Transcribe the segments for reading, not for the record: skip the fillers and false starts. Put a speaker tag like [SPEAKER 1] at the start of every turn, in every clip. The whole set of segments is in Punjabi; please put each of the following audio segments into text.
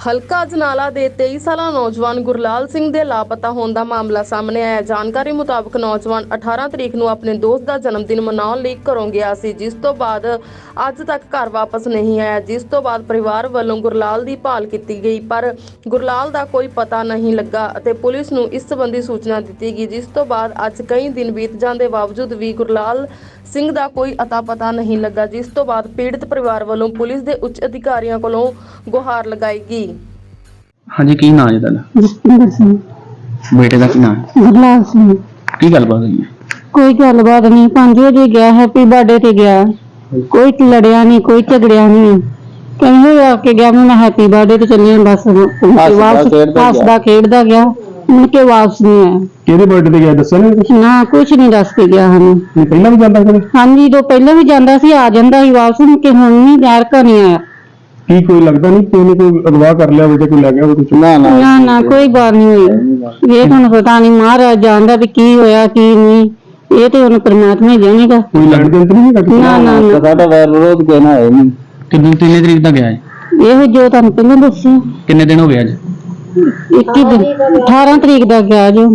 [SPEAKER 1] ਹਲਕਾ ਅਜਨਾਲਾ ਦੇ 23 ਸਾਲਾ ਨੌਜਵਾਨ ਗੁਰਲਾਲ ਸਿੰਘ ਦੇ ਲਾਪਤਾ ਹੋਣ ਦਾ ਮਾਮਲਾ ਸਾਹਮਣੇ ਆਇਆ। ਜਾਣਕਾਰੀ ਮੁਤਾਬਕ ਨੌਜਵਾਨ 18 ਤਰੀਕ ਨੂੰ ਆਪਣੇ ਦੋਸਤ ਦਾ ਜਨਮ ਦਿਨ ਮਨਾਉਣ ਲਈ ਘਰੋਂ ਗਿਆ ਸੀ, ਜਿਸ ਤੋਂ ਬਾਅਦ ਅੱਜ ਤੱਕ ਘਰ ਵਾਪਸ ਨਹੀਂ ਆਇਆ। ਜਿਸ ਤੋਂ ਬਾਅਦ ਪਰਿਵਾਰ ਵੱਲੋਂ ਗੁਰਲਾਲ ਦੀ ਭਾਲ ਕੀਤੀ ਗਈ, ਪਰ ਗੁਰਲਾਲ ਦਾ ਕੋਈ ਪਤਾ ਨਹੀਂ ਲੱਗਾ ਅਤੇ ਪੁਲਿਸ ਨੂੰ ਇਸ ਸੰਬੰਧੀ ਸੂਚਨਾ ਦਿੱਤੀ ਗਈ। ਜਿਸ ਤੋਂ ਬਾਅਦ ਅੱਜ ਕਈ ਦਿਨ ਬੀਤ ਜਾਣ ਦੇ ਬਾਵਜੂਦ ਵੀ ਗੁਰਲਾਲ ਸਿੰਘ ਦਾ ਕੋਈ ਅਤਾ ਪਤਾ ਨਹੀਂ ਲੱਗਾ, ਜਿਸ ਤੋਂ ਬਾਅਦ ਪੀੜਤ ਪਰਿਵਾਰ ਵੱਲੋਂ ਪੁਲਿਸ ਦੇ ਉੱਚ ਅਧਿਕਾਰੀਆਂ ਕੋਲੋਂ ਗੁਹਾਰ ਲਗਾਈ ਗਈ।
[SPEAKER 2] ਹਾਂਜੀ, ਕੀ ਨਾਂ ਹੈ ਤੁਹਾਡਾ?
[SPEAKER 3] ਜਸਪਿੰਦਰ ਸਿੰਘ।
[SPEAKER 2] ਬੇਟੇ ਦਾ ਕੀ ਨਾਂ ਹੈ?
[SPEAKER 3] ਗੁਰਲਾਲ ਸਿੰਘ।
[SPEAKER 2] ਕੀ ਗੱਲਬਾਤ ਹੋਈ ਹੈ?
[SPEAKER 3] ਕੋਈ ਗੱਲਬਾਤ ਨਹੀਂ, 5 ਵਜੇ ਗਿਆ, ਹੈਪੀ ਬਰਥਡੇ ਤੇ ਗਿਆ, ਕੋਈ ਲੜਿਆ ਨਹੀਂ, ਕੋਈ ਝਗੜਿਆ ਨਹੀਂ, ਕਹਿੰਦੇ ਆ ਕੇ ਗਿਆ, ਮੈਂ ਹੈਪੀ ਬਰਥਡੇ ਤੇ ਚੱਲੇ ਬਸ ਹੱਸਦਾ ਖੇਡਦਾ ਗਿਆ, ਮੁੜ ਕੇ ਵਾਪਸ ਨਹੀਂ ਆਇਆ।
[SPEAKER 4] ਕਿਹਦੇ ਬਰਥਡੇ ਤੇ ਗਿਆ ਦੱਸਿਆ ਨਹੀਂ ਕੁਝ?
[SPEAKER 3] ਨਾ ਕੁਛ ਨਹੀਂ ਦੱਸ ਕੇ ਗਿਆ ਸਾਨੂੰ।
[SPEAKER 4] ਪਹਿਲਾਂ ਵੀ ਜਾਂਦਾ ਕਦੇ?
[SPEAKER 3] ਹਾਂਜੀ, ਤੋਂ ਪਹਿਲਾਂ ਵੀ ਜਾਂਦਾ ਸੀ, ਆ ਜਾਂਦਾ ਸੀ ਵਾਪਸ, ਮੁੜ ਕੇ ਹੁਣ ਨਹੀਂ ਯਾਰ ਘਰ ਨਹੀਂ ਆਇਆ।
[SPEAKER 4] ਕੀ ਕੋਈ ਲੱਗਦਾ ਨਹੀਂ ਕਿ ਉਹਨੇ ਕੋਈ ਅਗਵਾ ਕਰ ਲਿਆ ਹੋਵੇ ਜਾਂ ਕੋਈ ਲੈ ਗਿਆ ਹੋਵੇ ਕੁਝ?
[SPEAKER 3] ਨਾ ਕੋਈ ਬਾਤ ਨਹੀਂ ਹੋਈ। ਇਹ ਤੁਹਾਨੂੰ ਪਤਾ ਨਹੀਂ, ਮਹਾਰਾਜ ਜਾਣਦਾ ਵੀ ਕੀ ਹੋਇਆ ਕੀ ਨਹੀਂ, ਇਹ ਤੇ ਉਹਨੂੰ ਪਰਮਾਤਮਾ ਹੀ ਜਾਣੇਗਾ।
[SPEAKER 4] ਕੋਈ ਲੈਣ ਦੇਣ ਤਾਂ ਨਹੀਂ ਹੈਗਾ?
[SPEAKER 3] ਨਾ
[SPEAKER 2] ਸਾਡਾ ਵੈਰ ਵਿਰੋਧ ਕਹਿਣਾ ਹੈ ਨਹੀਂ। ਕਿੰਨੀ ਤਰੀਕ ਦਾ ਗਿਆ ਹੈ?
[SPEAKER 3] ਇਹ ਜੋ ਤੁਹਾਨੂੰ ਪਹਿਲਾਂ ਦੱਸਿਆ।
[SPEAKER 2] ਕਿੰਨੇ ਦਿਨ ਹੋ ਗਏ ਅੱਜ?
[SPEAKER 3] 21 ਦਿਨ, 18 ਤਰੀਕ ਦਾ ਗਿਆ ਜੋ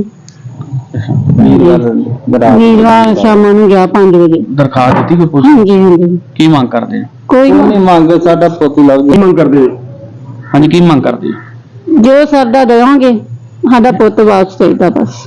[SPEAKER 3] ਵੀਰਵਾਰ ਸ਼ਾਮਾਂ ਨੂੰ ਗਿਆ 5 ਵਜੇ।
[SPEAKER 2] ਦਰਖਾਸਤ ਦਿੱਤੀ ਕੋਈ ਪੁਲਿਸ?
[SPEAKER 3] ਹਾਂਜੀ।
[SPEAKER 2] ਕੀ ਮੰਗ ਕਰਦੇ ਆ?
[SPEAKER 3] ਕੋਈ
[SPEAKER 2] ਨਹੀਂ ਮੰਗ, ਸਾਡਾ ਪੁੱਤ ਲੱਭ
[SPEAKER 4] ਕੀ ਮੰਗ ਕਰਦੇ?
[SPEAKER 2] ਹਾਂਜੀ, ਕੀ ਮੰਗ ਕਰਦੇ ਆ?
[SPEAKER 3] ਜੋ ਸਾਡਾ ਦੇਵਾਂਗੇ, ਸਾਡਾ ਪੁੱਤ ਵਾਪਸ ਚਾਹੀਦਾ ਬਸ।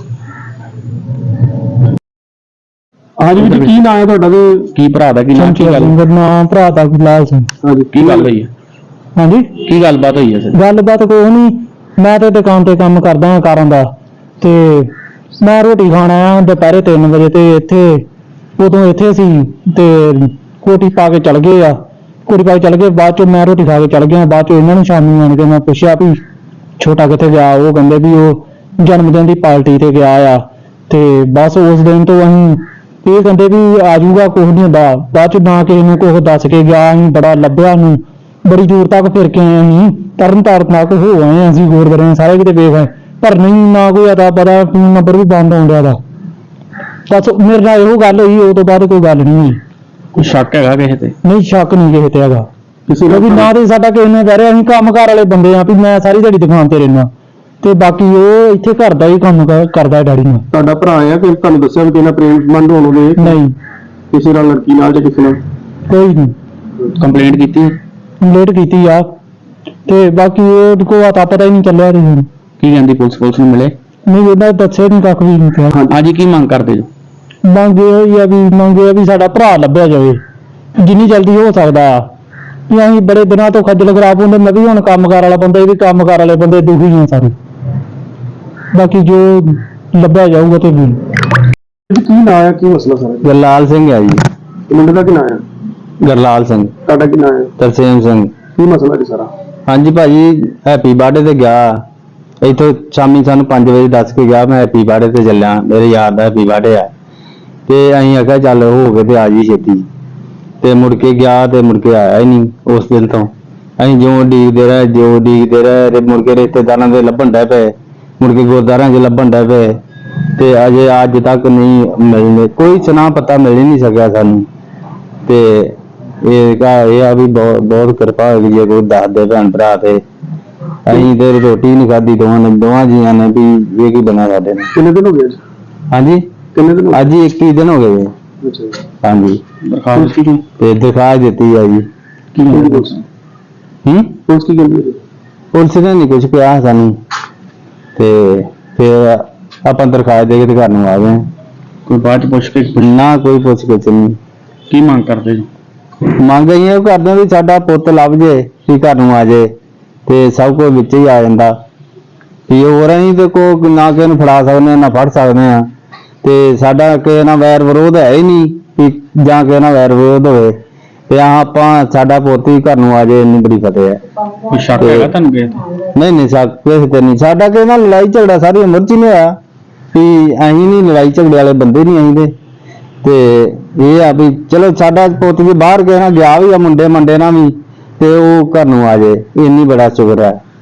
[SPEAKER 4] ਹਾਂਜੀ ਵੀਰ ਜੀ, ਕੀ ਨਾਂ ਹੈ ਤੁਹਾਡਾ ਤੇ
[SPEAKER 2] ਕੀ ਭਰਾ ਦਾ ਕੀ ਨਾਮ? ਕੀ ਗੱਲ?
[SPEAKER 4] ਮੇਰਾ ਨਾਮ ਭਰਾ ਦਾ ਗੁਰਲਾਲ ਸਿੰਘ।
[SPEAKER 2] ਹਾਂਜੀ, ਕੀ ਗੱਲ ਹੋਈ ਹੈ?
[SPEAKER 4] ਹਾਂਜੀ,
[SPEAKER 2] ਕੀ ਗੱਲਬਾਤ ਹੋਈ ਹੈ ਸਰ?
[SPEAKER 4] ਗੱਲਬਾਤ ਕੋਈ ਨਹੀਂ, ਮੈਂ ਤੇ ਦੁਕਾਨ ਤੇ ਕੰਮ ਕਰਦਾ ਹਾਂ ਕਾਰਾਂ ਦਾ, ਤੇ ਮੈਂ ਰੋਟੀ ਖਾਣ ਆਇਆ ਦੁਪਹਿਰੇ 3 ਵਜੇ ਤੇ ਉਦੋਂ ਇੱਥੇ ਸੀ ਤੇ ਕੋਟੀ ਪਾ ਕੇ ਚਲ ਗਏ ਆ। ਕੋਟੀ ਪਾ ਕੇ ਚਲ ਗਏ, ਬਾਅਦ ਚੋਂ ਮੈਂ ਰੋਟੀ ਖਾ ਕੇ ਚਲ ਗਿਆ। ਬਾਅਦ ਚੋਂ ਇਹਨਾਂ ਨੂੰ ਸ਼ਾਮੀ ਆਣ ਕੇ ਮੈਂ ਪੁੱਛਿਆ ਵੀ ਛੋਟਾ ਕਿੱਥੇ ਗਿਆ? ਉਹ ਕਹਿੰਦੇ ਵੀ ਉਹ ਜਨਮ ਦਿਨ ਦੀ ਪਾਰਟੀ ਤੇ ਗਿਆ ਆ। ਤੇ ਬਸ ਉਸ ਦਿਨ ਤੋਂ ਅਸੀਂ ਇਹ ਕਹਿੰਦੇ ਵੀ ਆ ਜਾਊਗਾ, ਕੁਛ ਨਹੀਂ ਹੁੰਦਾ। ਬਾਅਦ ਚ ਨਾ ਕਿਸੇ ਨੂੰ ਕੁਛ ਦੱਸ ਕੇ ਗਿਆ। ਅਸੀਂ ਬੜਾ ਲੱਭਿਆ ਨੂੰ, ਬੜੀ ਦੂਰ ਤੱਕ ਫਿਰ ਕੇ ਆਏ, ਅਸੀਂ ਤਰਨ ਤਾਰਨ ਤੱਕ ਹੋ ਆਏ, ਅਸੀਂ ਗੁਰਦੁਆਰੇ ਸਾਰੇ ਕਿਤੇ ਵੇਖ ਆਏ, ਪਰ ਨਹੀਂ, ਨਾ ਕੋਈ ਅਤਾ ਪਤਾ, ਫੋਨ ਨੰਬਰ ਵੀ ਬੰਦ ਆਉਣ ਡਿਆ ਦਾ। ਬਸ ਮੇਰੇ ਨਾਲ ਇਹੋ ਗੱਲ ਹੋਈ, ਉਹ ਤੋਂ ਬਾਅਦ ਕੋਈ ਗੱਲ ਨਹੀਂ ਹੋਈ।
[SPEAKER 2] ਕੋਈ ਸ਼ੱਕ ਹੈਗਾ ਕਿਸੇ ਤੇ?
[SPEAKER 4] ਨਹੀਂ, ਸ਼ੱਕ ਨਹੀਂ ਕਿਸੇ ਤੇ ਹੈਗਾ। ਕਿਸੇ ਦਾ ਵੀ ਨਾ ਤੇ ਸਾਡਾ ਕਿਸੇ ਨੇ ਕਹਿ ਰਿਹਾ, ਅਸੀਂ ਕੰਮਕਾਰ ਵਾਲੇ ਬੰਦੇ ਆ ਵੀ ਮੈਂ ਸਾਰੀ ਦਿਹਾੜੀ ਦੁਕਾਨ ਤੇ ਰਹਿਣਾ, ਤੇ ਬਾਕੀ ਉਹ ਇੱਥੇ ਘਰ ਦਾ ਹੀ ਕੰਮ ਕਰਦਾ ਹੈ ਡੈਡੀ ਨਾਲ। ਤੁਹਾਡਾ ਭਰਾ ਆ ਕਿ ਤੁਹਾਨੂੰ ਦੱਸਿਆ ਵੀ ਤੇਨਾਂ ਪ੍ਰੇਮ ਸੰਬੰਧ ਹੋਣਗੇ? ਨਹੀਂ, ਕਿਸੇ ਨਾਲ, ਲੜਕੀ ਨਾਲ ਜਾਂ ਕਿਸੇ ਨਾਲ ਕੋਈ ਨਹੀਂ।
[SPEAKER 2] ਕੰਪਲੇਂਟ ਕੀਤੀ?
[SPEAKER 4] ਕੰਪਲੇਂਟ ਕੀਤੀ ਆ, ਤੇ ਬਾਕੀ ਉਹ ਕੋਈ ਅਤਾ ਪਤਾ ਹੀ ਨਹੀਂ ਚੱਲਿਆ।
[SPEAKER 2] ਕੀ ਕਹਿੰਦੀ ਪੁਲਿਸ ਨੂੰ ਮਿਲੇ?
[SPEAKER 4] ਨਹੀਂ, ਉਹਨਾਂ ਦੱਸਿਆ ਨਹੀਂ, ਕੱਖ ਵੀ ਨਹੀਂ ਕਿਹਾ।
[SPEAKER 2] ਹਾਂਜੀ, ਕੀ ਮੰਗ ਕਰਦੇ ਜੋ?
[SPEAKER 4] ਮੰਗ ਇਹ ਆ ਵੀ ਸਾਡਾ ਭਰਾ ਲੱਭਿਆ ਜਾਵੇ ਜਿੰਨੀ ਜਲਦੀ ਹੋ ਸਕਦਾ ਆ। ਵੀ ਅਸੀਂ ਬੜੇ ਦਿਨਾਂ ਤੋਂ ਖੱਜਲ ਖਰਾਬ ਹੁੰਦੇ, ਮੈਂ ਵੀ ਹੁਣ ਕੰਮਕਾਰ ਵਾਲਾ ਬੰਦਾ, ਇਹ ਵੀ ਕੰਮਕਾਰ ਵਾਲੇ ਬੰਦੇ ਦੁਖੀ ਆ ਸਾਰੇ। ਬਾਕੀ ਜੋ ਲੱਭਿਆ ਜਾਊਗਾ ਤੇ ਵੀ। ਕੀ ਨਾਂ ਆ, ਕੀ ਮਸਲਾ ਸਾਰਾ?
[SPEAKER 2] ਗੁਰਲਾਲ ਸਿੰਘ ਹੈ ਜੀ।
[SPEAKER 4] ਮੁੰਡੇ ਦਾ ਕੀ ਨਾਂ ਆ?
[SPEAKER 2] ਗੁਰਲਾਲ ਸਿੰਘ।
[SPEAKER 4] ਤੁਹਾਡਾ ਕੀ ਨਾਂ ਆ?
[SPEAKER 2] ਤਰਸੇਮ ਸਿੰਘ।
[SPEAKER 4] ਕੀ ਮਸਲਾ ਜੀ ਸਾਰਾ?
[SPEAKER 2] ਹਾਂਜੀ ਭਾਜੀ, ਹੈਪੀ ਬਰਥਡੇ ਤੇ ਗਿਆ, ਇੱਥੋਂ ਸ਼ਾਮੀ ਸਾਨੂੰ 5 ਵਜੇ ਦੱਸ ਕੇ ਗਿਆ ਮੈਂ ਹੈਪੀ ਬਰਥਡੇ ਤੇ ਚੱਲਿਆ, ਮੇਰੇ ਯਾਰ ਦਾ ਹੈਪੀ ਬਰਥਡੇ ਆ। ਤੇ ਅਸੀਂ ਆਖਿਆ ਚੱਲ ਹੋ ਗਏ ਤੇ ਆ ਜੀ ਛੇਤੀ, ਤੇ ਮੁੜ ਕੇ ਗਿਆ ਤੇ ਮੁੜ ਕੇ ਆਇਆ ਹੀ ਨਹੀਂ। ਉਸ ਦਿਨ ਤੋਂ ਅਸੀਂ ਜੋ ਉਡੀਕਦੇ ਰਹੇ ਤੇ ਮੁੜ ਕੇ ਰਿਸ਼ਤੇਦਾਰਾਂ ਦੇ ਲੱਭਣ ਡੈ ਪਏ, ਮੁੜ ਕੇ ਗੁਰਦੁਆਰਿਆਂ 'ਚ ਲੱਭਣ ਡੈ ਪਏ, ਤੇ ਅਜੇ ਅੱਜ ਤੱਕ ਨਹੀਂ ਮਿਲਨੇ, ਕੋਈ ਸੁਨਾ ਪਤਾ ਮਿਲ ਹੀ ਨਹੀਂ ਸਕਿਆ ਸਾਨੂੰ। ਤੇ ਇਹ ਆ ਵੀ ਬਹੁਤ ਕਿਰਪਾ ਹੋਈ ਜੇ ਕੋਈ ਦੱਸਦੇ ਭੈਣ ਭਰਾ। ਤੇ ਅਸੀਂ ਤੇ ਰੋਟੀ ਨਹੀਂ ਖਾਧੀ ਦੋਵਾਂ ਜੀਆਂ ਨੇ ਵੀ ਇਹ ਕੀ ਬਣਾ ਸਾਡੇ ਨੇ।
[SPEAKER 4] ਕਿੰਨੇ ਦਿਨ ਹੋ ਗਏ?
[SPEAKER 2] ਹਾਂਜੀ,
[SPEAKER 4] ਕਿੰਨੇ ਦਿਨ?
[SPEAKER 2] ਅੱਜ 21 ਦਿਨ ਹੋ ਗਏ। ਹਾਂਜੀ, ਤੇ ਦਿਖਾ ਦਿੱਤੀ ਆ ਜੀ।
[SPEAKER 4] ਕੀ ਕਹਿੰਦੀ ਪੁਲਿਸ? ਪੁਲਿਸ ਕੀ ਕਹਿੰਦੀ?
[SPEAKER 2] ਪੁਲਿਸ ਨੇ ਨਹੀਂ ਕੁਝ ਕਿਹਾ ਸਾਨੂੰ, ਤੇ ਫਿਰ ਆਪਾਂ ਦਰਖਾਸਤ ਦੇ ਕੇ ਤੇ ਘਰ ਨੂੰ ਆ ਗਏ। ਕੋਈ ਬਾਅਦ ਚ ਪੁੱਛ ਕੇ? ਨਾ, ਕੋਈ ਪੁੱਛ ਕੇ ਨਹੀਂ। ਕੀ ਮੰਗ ਕਰਦੇ ਜੀ? ਮੰਗ ਇਹ ਕਰਦੇ ਵੀ ਸਾਡਾ ਪੁੱਤ ਲੱਭ ਜੇ, ਵੀ ਘਰ ਨੂੰ ਆ ਜੇ, ਤੇ ਸਭ ਕੁਝ ਵਿੱਚ ਹੀ ਆ ਜਾਂਦਾ। ਵੀ ਹੋਰ ਅਸੀਂ ਤੇ ਕੋਈ ਨਾ ਕਿਸੇ ਨੂੰ ਫੜਾ ਸਕਦੇ ਨਾ ਫੜ ਸਕਦੇ ਆ, ਤੇ ਸਾਡਾ ਕਿਸੇ ਨਾਲ ਵੈਰ ਵਿਰੋਧ ਹੈ ਹੀ ਨਹੀਂ ਵੀ ਜਾਂ ਕਿਸੇ ਨਾਲ ਵੈਰ ਵਿਰੋਧ ਹੋਵੇ, ਤੇ ਆਪਾਂ ਸਾਡਾ ਪੁੱਤ ਹੀ ਘਰ ਨੂੰ ਆ ਜੇ, ਇੰਨੀ ਬੜੀ ਫਤਿਹ ਹੈ। ਕੋਈ ਸ਼ੱਕ ਹੈਗਾ ਤੁਹਾਨੂੰ ਕਿਸੇ ਤੇ? ਨਹੀਂ, ਸ਼ੱਕ ਕਿਸੇ ਤੇ ਨਹੀਂ। ਸਾਡਾ ਕਿਸੇ ਨਾਲ ਲੜਾਈ ਝਗੜਾ ਸਾਰੀ ਉਮਰ 'ਚ ਹੀ ਨਹੀਂ ਹੋਇਆ, ਵੀ ਅਸੀਂ ਨਹੀਂ ਲੜਾਈ ਝਗੜੇ ਵਾਲੇ ਬੰਦੇ ਨਹੀਂ ਅਸੀਂ ਤੇ ਇਹ ਆ ਵੀ ਚਲੋ ਸਾਡਾ ਪੁੱਤ ਵੀ ਬਾਹਰ ਕਿਸੇ ਨਾਲ ਗਿਆ ਵੀ ਆ, ਮੁੰਡੇ ਨਾਲ ਵੀ, ਤੇ ਉਹ ਘਰ ਨੂੰ ਆ ਜੇ, ਇੰਨੀ ਬੜਾ ਸ਼ੁਕਰ ਹੈ।